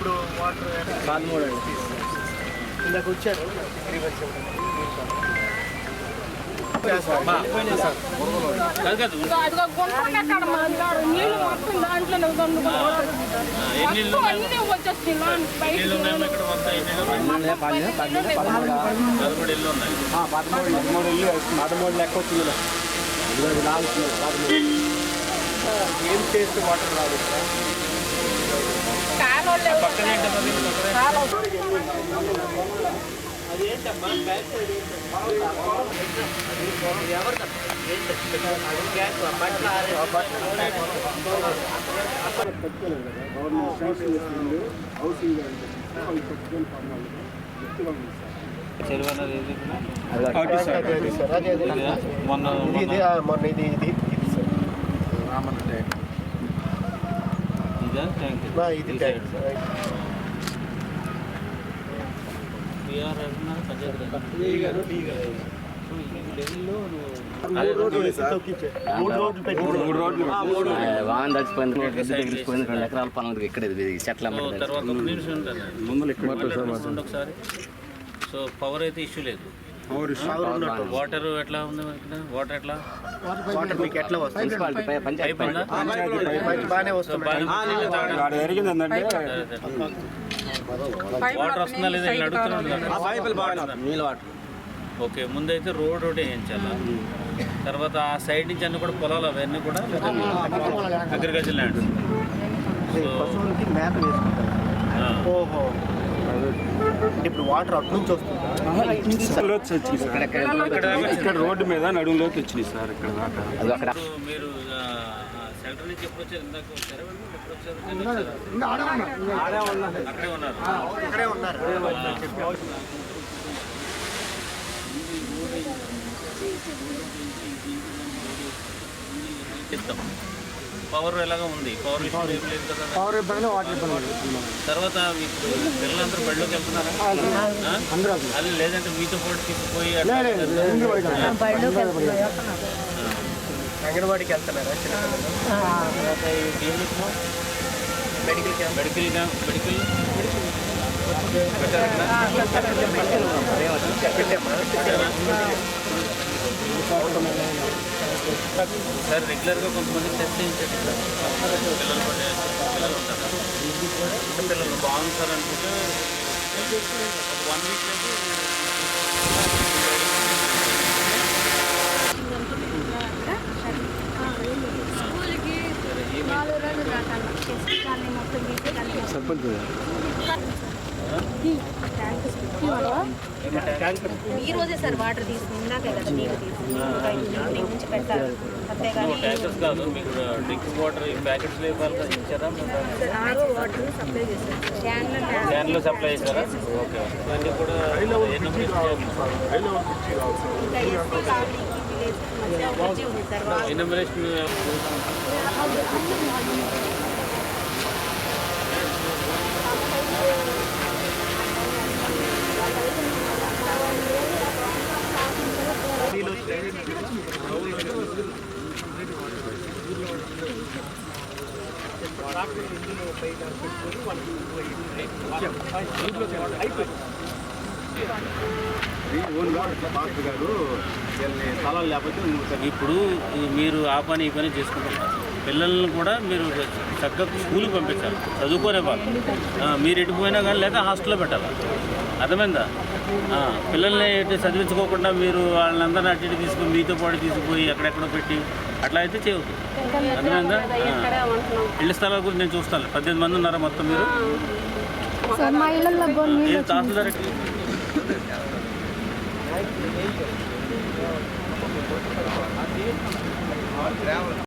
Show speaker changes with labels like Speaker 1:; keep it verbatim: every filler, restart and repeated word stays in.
Speaker 1: ఇప్పుడు వాటర్
Speaker 2: పదమూడు అండి
Speaker 1: ఇందాక వచ్చారు
Speaker 2: పదమూడు ఇల్లు పదమూడు లెక్క వచ్చింది
Speaker 1: ఏం చేస్తే వాటర్ రాదు మొన్న ఇది మొన్న ఇది ఇది ఇది సార్ రామన్న ట్యాంక్ ఇదా ట్యాంక్ ఇది ట్యాంక్ సార్
Speaker 3: వాహనం తడిచిపోయింది రెండు ఎకరాల పనులు ఇక్కడ చెట్ల
Speaker 4: ఒకసారి. సో పవర్ అయితే ఇష్యూ లేదు. వాటర్ ఎట్లా ఉంది వాటర్ ఎట్లా
Speaker 1: వాటర్ మీకు ఎట్లా వస్తుంది
Speaker 4: వాటర్ వస్తుందా లేదా అడుగుతున్నాను. ఓకే ముందైతే రోడ్ ఒకటి వేయించాలా, తర్వాత ఆ సైడ్ నుంచి అన్ని కూడా పొలాలు అవన్నీ కూడా అగ్రికల్చర్ ల్యాండ్.
Speaker 1: ఓహో ఇప్పుడు వాటర్ అటు నుంచి వస్తుంది
Speaker 2: ఇక్కడ రోడ్డు మీద నడుములోకి వచ్చినాయి సార్. ఇక్కడ
Speaker 4: మీరు సెంటర్ నుంచి ఎప్పుడు వచ్చారు? ఇందాక వచ్చారా? ఎప్పుడు వచ్చారు? అక్కడే ఉన్నారు.
Speaker 1: అక్కడే ఉన్నారు.
Speaker 4: పవర్ ఎలాగా ఉంది? పవర్ విషయం ఏం లేదు కదా.
Speaker 1: పవర్ ఇబ్బంది వాటర్ ఇబ్బంది.
Speaker 4: తర్వాత ఇప్పుడు పిల్లలందరూ బడిలోకి వెళ్తున్నారా? అది లేదంటే మీతో పాటు తీసుకుపోయి
Speaker 1: అంగన్వాడికి వెళ్తున్నారా medical camp?
Speaker 4: Medical camp medical sir రెగ్యులర్గా కొంతమంది టెస్ట్ చేయించండి సార్. పిల్లలు పడే పిల్లలు ఉంటారు, పిల్లలు బాగుంది సార్ అనుకుంటే ఒక వన్ వీక్
Speaker 2: సర్పంచ్
Speaker 5: ఈ రోజే సార్ వాటర్ తీసుకుని ఇందాకే కదా నీళ్ళు తీసుకుని నుంచి పెట్టాలి.
Speaker 4: ట్యాంకర్స్ కాదు మీకు డ్రింకింగ్ వాటర్ ప్యాకెట్స్ లేపాలి ఇచ్చారా?
Speaker 5: వాటర్ సప్లై చేస్తారు,
Speaker 4: క్యాన్లో సప్లై చేశారా? ఓకే ఇవన్నీ కూడా ఎన్యూమరేషన్ ఇప్పుడు మీరు ఆ పని ఈ పని చేసుకుంటారు. పిల్లల్ని కూడా మీరు చక్కగా స్కూల్కి పంపించాలి, చదువుకునే వాళ్ళు. మీరు ఎటుపోయినా కానీ లేదా హాస్టల్లో పెట్టాలి. అర్థమైందా? పిల్లల్ని చదివించుకోకుండా మీరు వాళ్ళని అందరినీ అటు ఇటు తీసుకుని మీతో పాటు తీసుకుపోయి ఎక్కడెక్కడో పెట్టి అట్లా అయితే చేయవద్దు. అర్థమైందా? ఇళ్ల స్థలాల గురించి నేను చూస్తాను. పద్దెనిమిది మంది ఉన్నారా మొత్తం మీరు? తహసీల్దార్